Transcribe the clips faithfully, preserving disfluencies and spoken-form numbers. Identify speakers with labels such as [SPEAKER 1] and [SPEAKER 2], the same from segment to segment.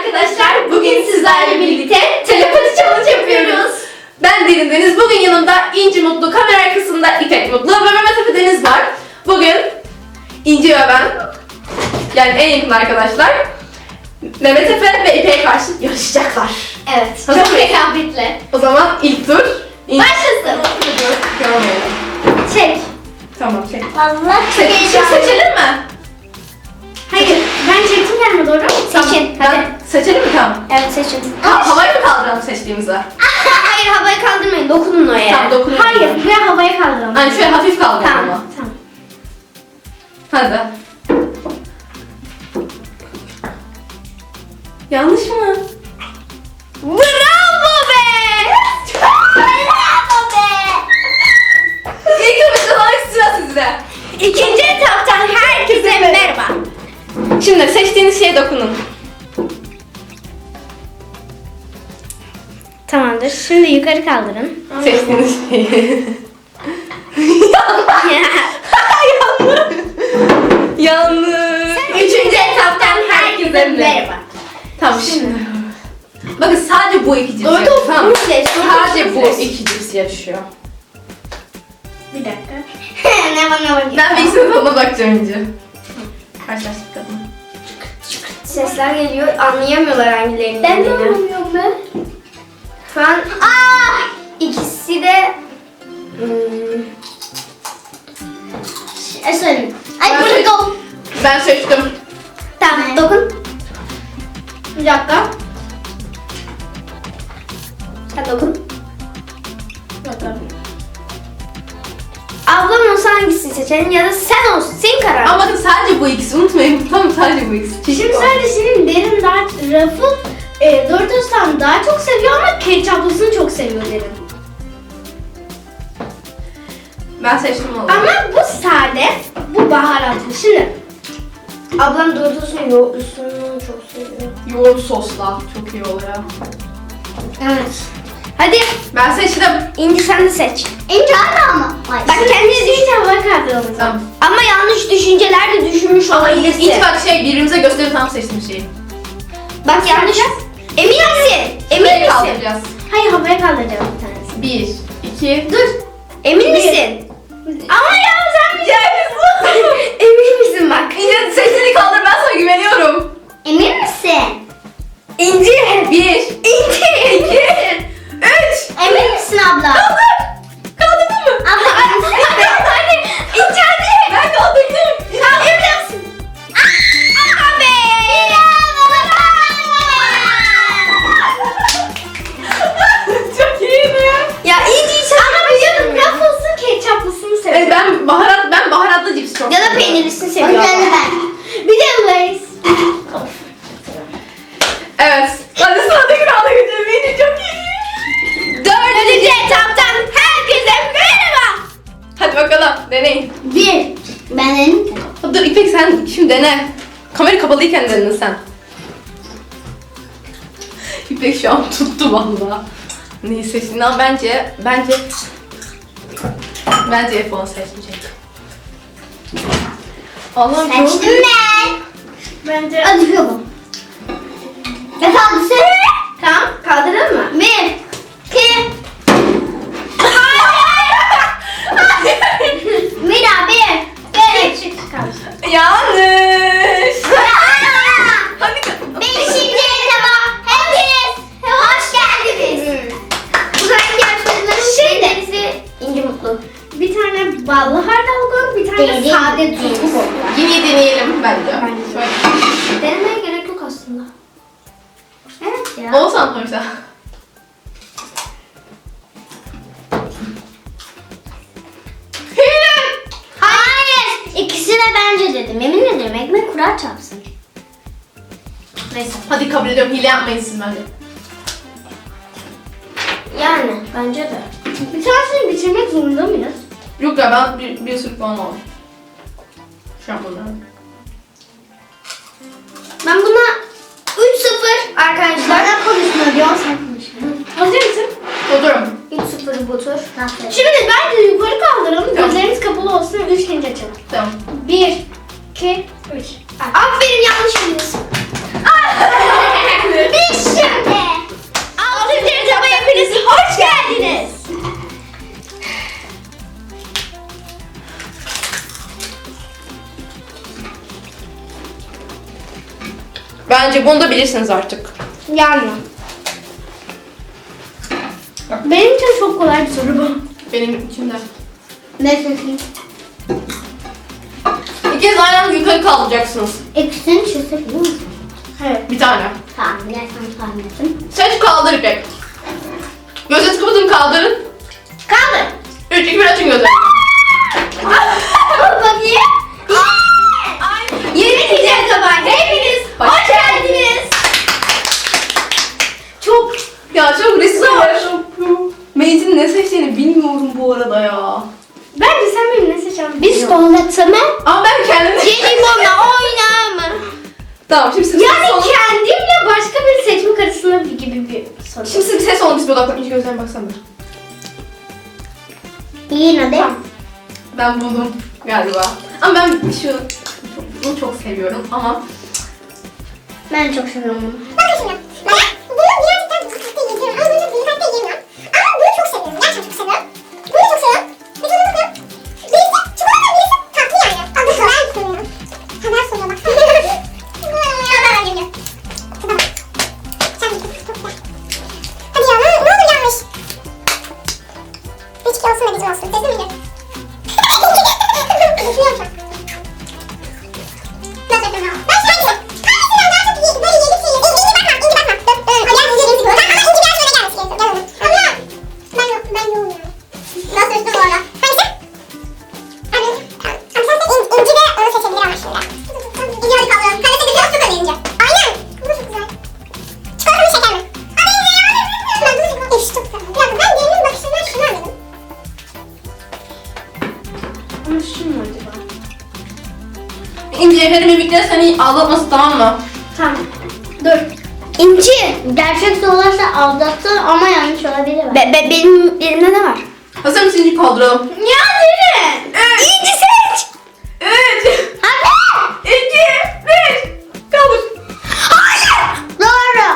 [SPEAKER 1] arkadaşlar, bugün sizlerle birlikte telepati challenge yapıyoruz. Ben Derin Deniz, bugün yanımda İnci Mutlu, kamera arkasında İpek Mutlu ve Mehmet Efe Deniz var. Bugün İnci ve ben, yani en yakın arkadaşlar, Mehmet Efe ve İpek'e karşı yarışacaklar.
[SPEAKER 2] Evet,
[SPEAKER 1] Hazır
[SPEAKER 2] çok
[SPEAKER 1] mıyız?
[SPEAKER 2] rekabetli.
[SPEAKER 1] O zaman ilk tur. İnci...
[SPEAKER 2] Başlasın.
[SPEAKER 1] Görmeyelim.
[SPEAKER 2] Çek.
[SPEAKER 1] Tamam, çek.
[SPEAKER 2] Vallahi çok
[SPEAKER 1] Çek, şimdi
[SPEAKER 2] heyecanlı.
[SPEAKER 1] seçelim mi?
[SPEAKER 2] Hayır, ben çektim kendime doğru.
[SPEAKER 1] Tamam,
[SPEAKER 2] Seçin,
[SPEAKER 1] ben-
[SPEAKER 2] hadi.
[SPEAKER 1] Seçelim mi? Tamam.
[SPEAKER 2] Evet, seçin.
[SPEAKER 1] Ha, havayı mı kaldıralım seçtiğimize?
[SPEAKER 2] Hayır, havaya kaldırmayın, dokunun o yere.
[SPEAKER 1] Tamam, dokunun.
[SPEAKER 2] Hayır, buraya havaya kaldıralım.
[SPEAKER 1] Hani şöyle hafif kaldıralım
[SPEAKER 2] Tamam,
[SPEAKER 1] ama.
[SPEAKER 2] tamam.
[SPEAKER 1] Hadi. Yanlış mı?
[SPEAKER 2] Bravo be! Bravo be!
[SPEAKER 1] İlk ömürde sıra sizde.
[SPEAKER 2] İkinci etaptan herkese merhaba.
[SPEAKER 1] Şimdi seçtiğiniz şeye dokunun.
[SPEAKER 2] Tamamdır, şimdi yukarı kaldırın.
[SPEAKER 1] Seçtiğiniz şeyi. Yanlış.
[SPEAKER 2] Üçüncü etaptan herkese merhaba.
[SPEAKER 1] Tamam şimdi. Bakın sadece bu iki cips
[SPEAKER 2] Doğru
[SPEAKER 1] yarışıyor.
[SPEAKER 2] doğru.
[SPEAKER 1] Tamam.
[SPEAKER 2] Seç, doğru
[SPEAKER 1] Sadece bu
[SPEAKER 2] seç.
[SPEAKER 1] iki cips yarışıyor.
[SPEAKER 2] Bir dakika. ne bana bakıyor?
[SPEAKER 1] Ben bir ikisinin tadına bakacağım önce. Karşılaştık kadın.
[SPEAKER 2] Sesler geliyor, anlayamıyorlar hangilerinin Ben de anlamıyorum ben. Şu an aa, ikisi de hmm, şey söyleyeyim. Ay
[SPEAKER 1] Ben
[SPEAKER 2] bunu
[SPEAKER 1] seç-
[SPEAKER 2] dokun.
[SPEAKER 1] Ben seçtim.
[SPEAKER 2] Tamam, dokun. Bir dakika. Sen dokun. Dokun. Ablam olsa hangisini seçelim ya da sen olsun, senin kararın.
[SPEAKER 1] Ama bakın sadece bu ikisi, unutmayın. Tamam, sadece bu ikisi. Çeşit
[SPEAKER 3] Şimdi
[SPEAKER 1] var.
[SPEAKER 3] sadece senin derin daha Raf'ın e, Doritos'tan daha çok seviyor ama ketçaplısını çok seviyor derin.
[SPEAKER 1] Ben seçtim onu.
[SPEAKER 3] Ama bu sade, bu baharatlı. Şimdi ablam Doritos'un yoğurtlusunu çok seviyor.
[SPEAKER 1] Yoğurt sosla çok iyi oluyor.
[SPEAKER 2] Evet. Hadi
[SPEAKER 1] Ben seçtim.
[SPEAKER 2] İnci sen de seç.
[SPEAKER 3] İnce anne ama.
[SPEAKER 2] Bak kendi
[SPEAKER 3] Deyince hava kaldıralım.
[SPEAKER 1] Tamam.
[SPEAKER 2] ama yanlış düşünceler de düşünmüş olabilirsin.
[SPEAKER 1] İlk bak şey birbirimize gösterip tam seçtiğim şeyi.
[SPEAKER 2] Bak yanlış. Emin misin? Emin
[SPEAKER 1] Burayı
[SPEAKER 2] misin?
[SPEAKER 1] kaldıracağız.
[SPEAKER 3] Hayır, havaya kaldıracağım bir tanesi.
[SPEAKER 1] Bir, iki,
[SPEAKER 2] Dur. Emin misin? Ama ya sen Emin misin bak?
[SPEAKER 1] İnce sesini kaldır, ben sana güveniyorum.
[SPEAKER 3] Emin misin?
[SPEAKER 2] İnci.
[SPEAKER 1] Bir,
[SPEAKER 2] İnci.
[SPEAKER 1] iki, üç.
[SPEAKER 3] Emin misin abla?
[SPEAKER 1] Kaldır. Kaldırdın mı?
[SPEAKER 3] Abla emin misin?
[SPEAKER 2] Hadi. İnci hadi.
[SPEAKER 1] Ben kaldırdım.
[SPEAKER 2] Kaldırır mısın? Aa be.
[SPEAKER 1] Çok iyiydi.
[SPEAKER 2] Ya İnci hiç anlamıyorum.
[SPEAKER 3] Ruffles'ın ketçaplısını
[SPEAKER 1] Evet,
[SPEAKER 3] seviyor.
[SPEAKER 1] ben baharat, ben baharatlı cips çok
[SPEAKER 2] Ya da
[SPEAKER 1] seviyorum.
[SPEAKER 2] peynirlisini seviyorum.
[SPEAKER 3] Bir de Lay's.
[SPEAKER 1] Evet. Hadi sıradaki rounda geçelim. İnci çok iyi.
[SPEAKER 2] Dördüncü etaptan herkese merhaba.
[SPEAKER 1] Hadi bakalım, deneyin.
[SPEAKER 3] Bir. Benim.
[SPEAKER 1] Dur İpek, sen şimdi dene. Kamera kapalıyken denedin sen. İpek şu an tuttu valla. Neyi seçtin? Ama bence, bence... Bence F onu seçmeyecek. Allah'ım çok...
[SPEAKER 3] Seçtim ben. Bence. Hadi bakalım. Ne kaldı sen?
[SPEAKER 2] Tamam kaldıralım mı?
[SPEAKER 3] Bir. İki. Mira bir. Bir.
[SPEAKER 2] Küçük kaldı.
[SPEAKER 1] Yanlış. Hadi.
[SPEAKER 3] Beşinci etaba hepiniz hoş geldiniz.
[SPEAKER 2] Bu zamanki yarışmacıların şeylerisi İnci Mutlu.
[SPEAKER 3] Bir tane ballı hardal koy, bir tane
[SPEAKER 2] Derin.
[SPEAKER 3] sade tuzlu koy.
[SPEAKER 1] Yine deneyelim bence.
[SPEAKER 2] Bence.
[SPEAKER 1] Şöyle.
[SPEAKER 2] Denemeye gerek yok aslında.
[SPEAKER 3] Evet ya.
[SPEAKER 1] Olsan koysa.
[SPEAKER 3] Hayır. İkisine bence dedim. Yemin ederim ekmek kurar çarpsın.
[SPEAKER 1] Neyse. Hadi kabul ediyorum. Hile yapmayın siz bence.
[SPEAKER 2] Yani bence de.
[SPEAKER 3] Bir tanesini bitirmek zorunda mıyız?
[SPEAKER 1] Yok ya, ben bir, bir sürü puan aldım. Şu an bunlar.
[SPEAKER 2] Ben buna üç sıfır arkadaşlar.
[SPEAKER 3] Bana konuşma diyor, sen konuşma. Hazır mısın?
[SPEAKER 1] Oturum.
[SPEAKER 2] üç sıfır bu tur.
[SPEAKER 3] Şimdi bence yukarı kaldıralım,
[SPEAKER 1] Tamam.
[SPEAKER 3] gözlerimiz kapalı olsun, üç deyince açalım.
[SPEAKER 1] Tamam.
[SPEAKER 3] Bir, iki, üç.
[SPEAKER 2] Aferin yanlış biliyorsun.
[SPEAKER 1] Bence bunu da bilirsiniz artık.
[SPEAKER 3] Yani. Benim için çok kolay bir soru bu.
[SPEAKER 1] Benim içimde.
[SPEAKER 3] Ne seçeyim?
[SPEAKER 1] İkiniz aynı anda yukarı kaldıracaksınız.
[SPEAKER 3] İkisini çizsek değil mi? Evet.
[SPEAKER 1] Bir tane.
[SPEAKER 3] Tamam, gel sen tahmin ettim.
[SPEAKER 1] Seç, kaldır İpek. Gözünüzü kapatın, kaldırın.
[SPEAKER 3] Kaldır.
[SPEAKER 1] üç, iki, bir, açın gözleri.
[SPEAKER 3] Bakayım. Yeni gideceğiz sabah. Hepiniz
[SPEAKER 1] Hoş
[SPEAKER 3] hoş geldiniz.
[SPEAKER 1] Çok, ya çok riskli. Meytin ne seçtiğini bilmiyorum bu arada ya.
[SPEAKER 3] Bence sen benim ne seçeceğim? Biskolata mı?
[SPEAKER 1] Ama ben kendim...
[SPEAKER 3] Jelibonla oynar mı?
[SPEAKER 1] Tamam, şimdi siz
[SPEAKER 3] Yani
[SPEAKER 1] ses olun.
[SPEAKER 3] kendimle başka bir seçmek arasında bir gibi bir soru.
[SPEAKER 1] Şimdi siz ses olun, biz bir odaklan. İyice gözlerine baksana.
[SPEAKER 3] İyi hadi.
[SPEAKER 1] Ben buldum galiba. Ama ben şu... Bunu çok seviyorum ama...
[SPEAKER 3] Ben çok seviyorum bunu.
[SPEAKER 4] Bakın şimdi. Ben bunu birazcık daha dikkatli yiyeceğim. Ama bunu dikkatli yiyemiyorum. Ama bunu çok seviyorum. Gerçekten çok seviyorum. Bunu çok seviyorum. Bir tane bakıyorum. Birisi çikolata, birisi tatlı yani. Adı kadar soruyor. Kadar soruyor bak. Kadar öldürüyor. Kadar bak. Sen git. Çok güzel. Hadi ya ne, ne olur yanlış. Üç iki olsun da bizim olsun. Sesli miydi? Düşünüyorum şu an. Nasıl yapıyorum ama? Ben şu an hangisinden daha çok iyi, böyle yedikçe yedi. İnci bakma, inci bakma. Dur, dur. Hadi yalnız yediğimizi koy. Ama inci biraz böyle gelmesi gerekiyor. Gel oğlum. Ama ben yok, ben yoğum ya. Nasıl üstü bu arada? Hangisi? Abi, abi sen de in, inci ve onu seçebilir ama şimdi. İnci hadi kaldıyorum. Kalete bir biraz çok öyle inci. Aynen. Bu da çok güzel. Çikolata mı şeker mi? Abi inci ya. Ben bunu çok güzel. Çok güzel. Bir dakika, ben birinin bakışından şunu anladım.
[SPEAKER 3] Ama şu mu acaba?
[SPEAKER 1] İnci efendim mimikleri seni aldatmasın, tamam mı?
[SPEAKER 3] Tamam. Dur. İnci. Gerçek sorularsa aldattı ama yanlış olabilir. Be, be, benim elimde ne var?
[SPEAKER 1] Hazır mısın, İnci kaldıralım?
[SPEAKER 3] Ya Dere.
[SPEAKER 1] Evet.
[SPEAKER 3] İnci seç.
[SPEAKER 1] üç,
[SPEAKER 3] Hadi.
[SPEAKER 1] iki, bir. Kaldır.
[SPEAKER 3] Hayır. Doğru.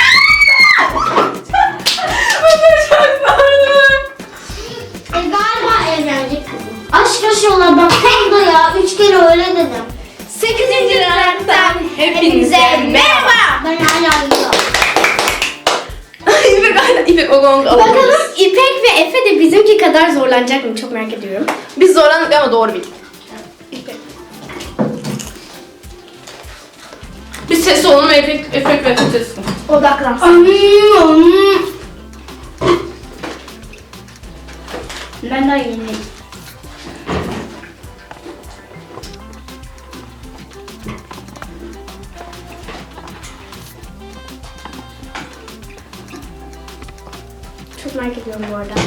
[SPEAKER 1] Bu çok zor.
[SPEAKER 3] E galiba evlenecek kızım. Aşk yaşıyorlar bak tam da ya. Üç kere öyle dedim.
[SPEAKER 1] sekizinci ranktan hepinize merhaba.
[SPEAKER 3] Ben hala yiyorum.
[SPEAKER 1] İpek aynen, İpek o gongu alabiliriz.
[SPEAKER 3] Bakalım İpek ve Efe de bizimki kadar zorlanacak mı? Çok merak ediyorum.
[SPEAKER 1] Biz zorlandık ama doğru bildik. İpek. Biz ses olalım ve efekt, efekt ve ses.
[SPEAKER 3] Odaklansın. Ben daha yeniyim. Çok merak ediyorum bu arada.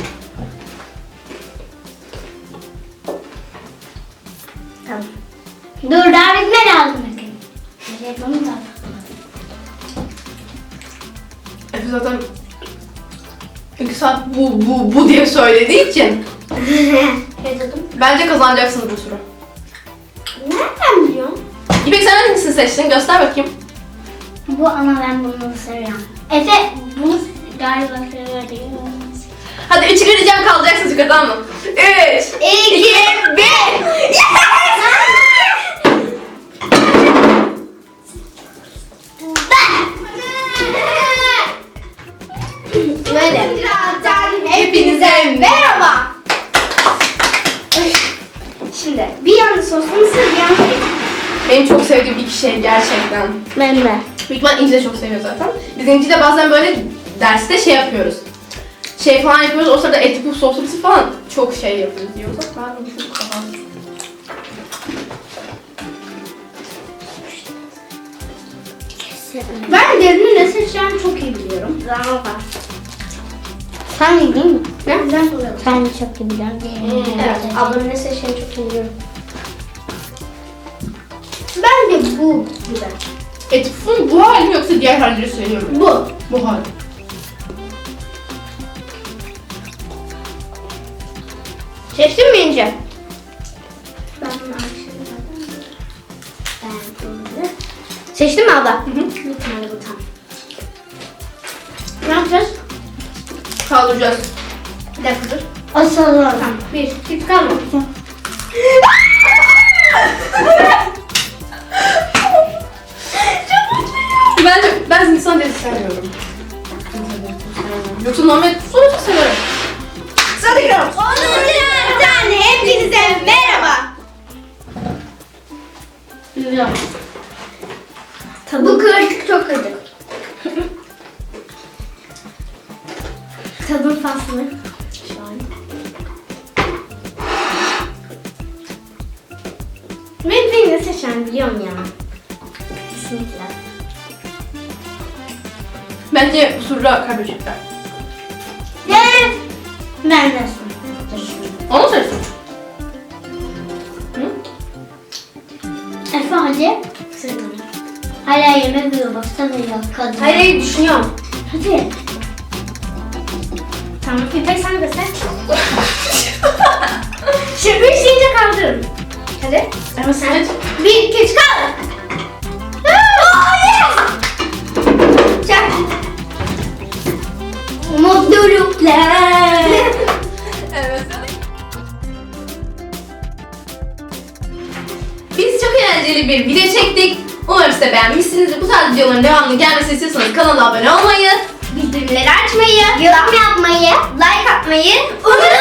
[SPEAKER 3] Tamam. Dur daha bitme lazım. Ne yapalım da?
[SPEAKER 1] Efe zaten iki saat bu bu bu diye söylediği için
[SPEAKER 3] Ne dedim?
[SPEAKER 1] bence kazanacaksınız bu turu.
[SPEAKER 3] Nereden biliyorsun?
[SPEAKER 1] İpek sen hangisini seçtin? Göster bakayım.
[SPEAKER 3] Bu ama ben bunu seviyorum. Efe bunu galiba seviyor.
[SPEAKER 1] Hadi üçü vereceğim, kalacaksınız yukarı, tamam mı? Üç, iki, bir.
[SPEAKER 3] Böyle.
[SPEAKER 1] Hepinize merhaba.
[SPEAKER 3] Şimdi bir yanı soslu mısır, bir yanı
[SPEAKER 1] Benim çok sevdiğim iki şey gerçekten.
[SPEAKER 3] ben de.
[SPEAKER 1] Büyük ihtimal İnci de çok seviyor zaten. Biz İnci de bazen böyle derste şey yapıyoruz. Şey falan yapıyoruz, o sırada eti puf soslusu falan çok şey yapıyoruz diyoruz. Ben de bu çok daha...
[SPEAKER 3] Ben derinin ne seçeceğimi çok iyi biliyorum. Zaman var. Sen iyi değil mi?
[SPEAKER 1] Ne?
[SPEAKER 3] Ben soruyorum. Sen çok iyi biliyorum. Evet. Ablamın ne seçeceğini çok iyi biliyorum. Bence bu güzel.
[SPEAKER 1] Eti pufun bu hali mi yoksa diğer halleri söylüyorum.
[SPEAKER 3] Bu.
[SPEAKER 1] Bu hali.
[SPEAKER 3] Seçtin mi İnce? Ben bunu Ben bunu. Seçtin mi abla? Hı hı. Bir tane bu tam. Ne yapacağız?
[SPEAKER 1] Kaldıracağız.
[SPEAKER 3] Bir dakika dur. Asalım. Tamam. Bir, iki, kalma.
[SPEAKER 1] Çok mutluyum. Hindistan cevizi sevmiyorum. Yoksa normal sonucu severim. Sıradaki round.
[SPEAKER 2] onuncu tane hepinize merhaba.
[SPEAKER 3] Güzel. Bu kırık çok kırık. Tadım faslı. Ben beni ne seçen biliyorum ya. Kesinlikle.
[SPEAKER 1] Bence Surra kaybedecekler.
[SPEAKER 3] Evet. Ben de.
[SPEAKER 1] Onu seçsin.
[SPEAKER 3] Efe hadi. Hala yemek yiyor baksana ya kadın.
[SPEAKER 2] Hayır hayır düşünüyorum.
[SPEAKER 3] Hadi. Tamam İpek sen de seç. Şimdi üç deyince kaldırın.
[SPEAKER 2] Hadi.
[SPEAKER 1] Ama sen
[SPEAKER 3] Bir, iki, üç kaldır.
[SPEAKER 2] Çak.
[SPEAKER 3] Mutluluklar.
[SPEAKER 1] Evet. Biz çok eğlenceli bir video çektik. Umarım siz de beğenmişsinizdir. Bu tarz videoların devamlı gelmesini istiyorsanız kanala abone olmayı,
[SPEAKER 2] Bildirimleri açmayı,
[SPEAKER 3] Yorum yapmayı,
[SPEAKER 2] like atmayı
[SPEAKER 3] unutmayın.